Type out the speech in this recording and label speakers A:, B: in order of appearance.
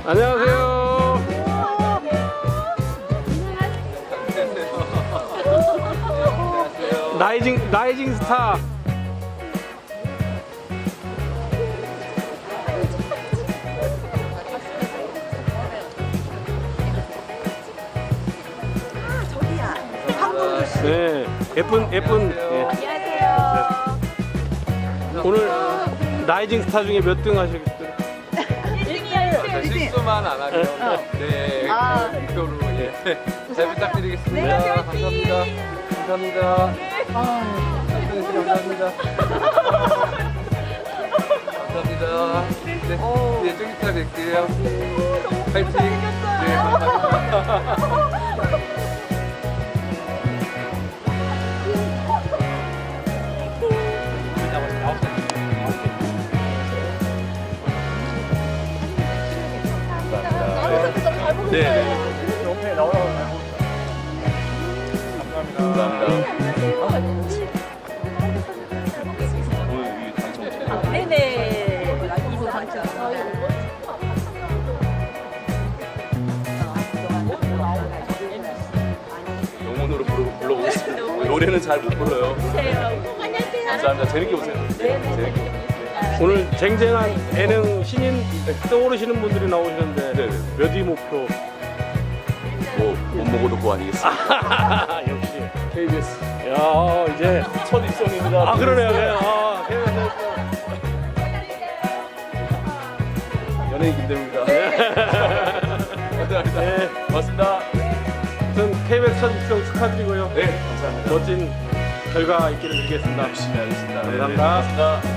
A: 안녕하세요. 라이징 스타.
B: 저기야. 한국
A: 네, 예쁜. 예.
B: 안녕하세요.
A: 오늘 라이징 스타 중에 몇 등 하시겠어요?
B: 1등이에요.
C: 실수만 안 하면 네 목표로 잘 부탁드리겠습니다.
B: 네,
C: 감사합니다. 감사합니다. 감사합니다. 감사합니다. 네, 좀 이따 뵐게요. 파이팅. 네, 감사합니다. 네.
D: 옆에 나오라고 감사합니다. 오늘 이 당첨.
B: 네네. 이거 당첨.
D: 영혼으로 불러보겠습니다. 노래는 잘 못 불러요.
B: 안녕하세요.
D: 감사합니다. 재밌게 보세요. 재밌게 보세요.
A: 오늘 쟁쟁한 예능 신인 떠오르시는 분들이 나오시는데
D: 네네.
A: 몇 위 목표?
D: 못 먹어도 고 아니겠습니다.
A: 역시.
D: KBS
A: 야, 이제
D: 첫 입성입니다.
A: 그러네요. 네.
D: 연예인 김대우입니다. 감사합니다.
A: 네.
D: 고맙습니다.
A: 아무튼 KBS 첫 입성 축하드리고요.
D: 네, 감사합니다.
A: 멋진 결과 있기를 빌겠습니다.
D: 열심히 하겠습니다.
A: 감사합니다.
D: 고맙습니다.